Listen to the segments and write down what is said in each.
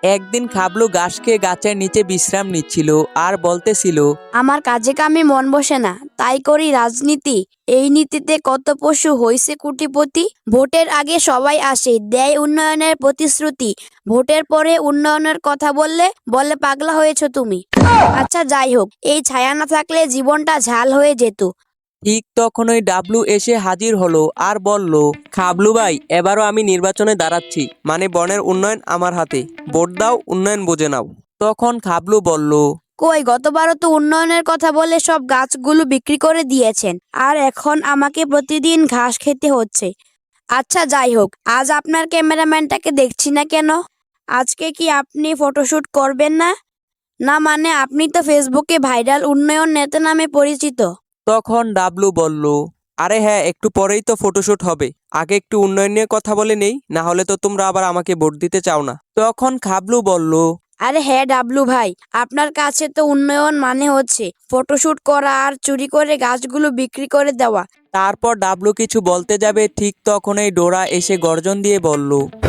একদিন খাবলু ঘাস খেয়ে গাছের নিচে বিশ্রাম নিচ্ছিল আর বলতেছিল, আমার কাজে কামে মন বসে না, তাই করি রাজনীতি। এই নীতিতে কত পশু হইছে কোটিপতি। ভোটের আগে সবাই আসে, দেয় উন্নয়নের প্রতিশ্রুতি। ভোটের পরে উন্নয়নের কথা বললে বলে পাগলা হয়েছো তুমি। আচ্ছা যাই হোক, এই ছায়া না থাকলে জীবনটা ঝাল হয়ে যেত। ঠিক তখনই ডাবলু এসে হাজির হলো আর বলল, খাবলু ভাই, এবারও আমি নির্বাচনে দাঁড়াচ্ছি, মানে বনের উন্নয়ন আমার হাতে, ভোট দাও, উন্নয়ন বুঝে নাও। তখন খাবলু বলল, কই, গতবারও তো উন্নয়নের কথা বলে সব গাছগুলো বিক্রি করে দিয়েছেন, আর এখন আমাকে প্রতিদিন ঘাস খেতে হচ্ছে। আচ্ছা যাই হোক, আজ আপনার ক্যামেরাম্যানটাকে দেখছি না কেন? আজকে কি আপনি ফটোশুট করবেন না? না মানে আপনি তো ফেসবুকে ভাইরাল উন্নয়ন নেতা নামে পরিচিত। তখন ডাবলু বলল, আরে হ্যাঁ, একটু পরেই তো ফটোশুট হবে, আগে একটু উন্নয়ন নিয়ে কথা বলে নেই, না হলে তো তোমরা আবার আমাকে ভোট দিতে চাও না। তখন খাবলু বলল, আরে হ্যাঁ ডাবলু ভাই, আপনার কাছে তো উন্নয়ন মানে হচ্ছে ফটোশুট করা আর চুরি করে গাছগুলো বিক্রি করে দেওয়া। তারপর ডাবলু কিছু বলতে যাবে, ঠিক তখনই ডোরা এসে গর্জন দিয়ে বলল,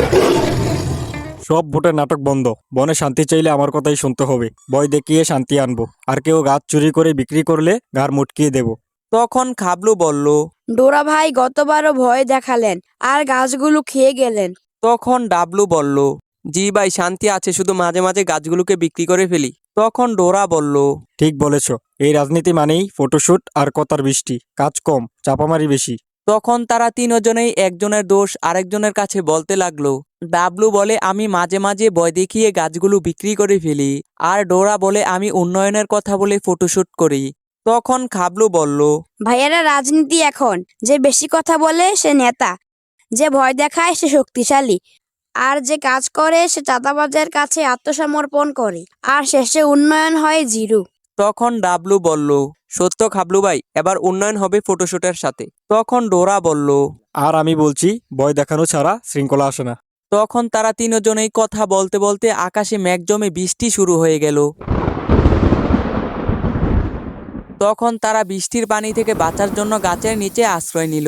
সব ভোটের নাটক বন্ধ। বনে শান্তি চাইলে আমার কথাই শুনতে হবে। ভয় দেখিয়ে শান্তি আনবো, আর কেউ গাছ চুরি করে বিক্রি করলে ঘাড় মুটকিয়ে দেব। তখন খাবলু বলল, ডোরা ভাই গতবারও ভয় দেখালেন আর গাছগুলো খেয়ে গেলেন। তখন ডাবলু বলল, জি ভাই, শান্তি আছে, শুধু মাঝে মাঝে গাছগুলোকে বিক্রি করে ফেলি। তখন ডোরা বলল, ঠিক বলেছ, এই রাজনীতি মানেই ফটোশুট আর কথার বৃষ্টি, কাজ কম, চাপামারি বেশি। তখন তারা তিনজনেই একজনের দোষ আরেকজনের কাছে বলতে লাগলো। ডাবলু বলে, আমি মাঝে মাঝে ভয় দেখিয়ে গাছগুলো বিক্রি করে ফেলি, আর ডোরা বলে আমি উন্নয়নের কথা বলে ফটোশুট করি। তখন খাবলু বলল, ভাইয়েরা, রাজনীতি এখন যে বেশি কথা বলে সে নেতা, যে ভয় দেখায় সে শক্তিশালী, আর যে কাজ করে সে চাঁদাবাজের কাছে আত্মসমর্পণ করে, আর শেষে উন্নয়ন হয় জিরো। তখন ডাবলু বলল, সত্য খাবলু ভাই, এবার উন্নয়ন হবে ফটোশুটের সাথে। তখন ডোরা বলল, আর আমি বলছি, ভয় দেখানো ছাড়া শৃঙ্খলা আসে না। তখন তারা তিনজনেই কথা বলতে বলতে আকাশে মেঘ জমে বৃষ্টি শুরু হয়ে গেল। তখন তারা বৃষ্টির পানি থেকে বাঁচার জন্য গাছের নিচে আশ্রয় নিল।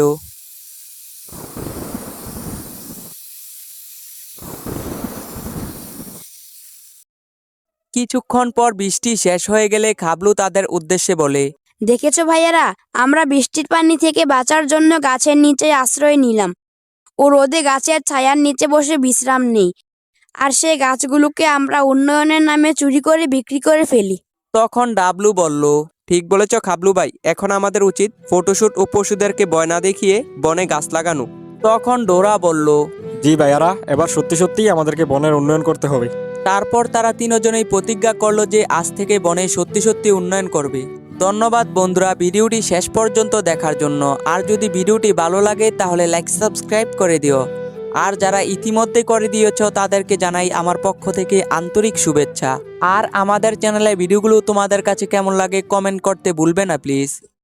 কিছুক্ষণ পর বৃষ্টি শেষ হয়ে গেলে খাবলু তাদের উদ্দেশ্যে বলে, দেখেছো ভাইয়েরা, আমরা বৃষ্টির পানি থেকে বাঁচার জন্য গাছের নিচে আশ্রয় নিলাম। ও রোদে গাছের ছায়ার নিচে বসে বিশ্রাম নেই, আর সেই গাছগুলোকে আমরা উন্নয়নের নামে চুরি করে বিক্রি করে ফেলি। তখন ডাবলু বলল, ঠিক বলেছ খাবলু ভাই, এখন আমাদের উচিত ফটোশুট ও পশুদেরকে ভয় না দেখিয়ে বনে গাছ লাগানো। তখন ডোরা বলল, জি ভাইয়ারা, এবার সত্যি সত্যিই আমাদেরকে বনের উন্নয়ন করতে হবে। তারপর তারা তিনজনেই প্রতিজ্ঞা করলো যে আজ থেকে বনে সত্যি সত্যি উন্নয়ন করবে। ধন্যবাদ বন্ধুরা ভিডিওটি শেষ পর্যন্ত দেখার জন্য। আর যদি ভিডিওটি ভালো লাগে তাহলে লাইক সাবস্ক্রাইব করে দিও। আর যারা ইতিমধ্যে করে দিয়েছ তাদেরকে জানাই আমার পক্ষ থেকে আন্তরিক শুভেচ্ছা। আর আমাদের চ্যানেলে ভিডিওগুলো তোমাদের কাছে কেমন লাগে কমেন্ট করতে ভুলবে না প্লিজ।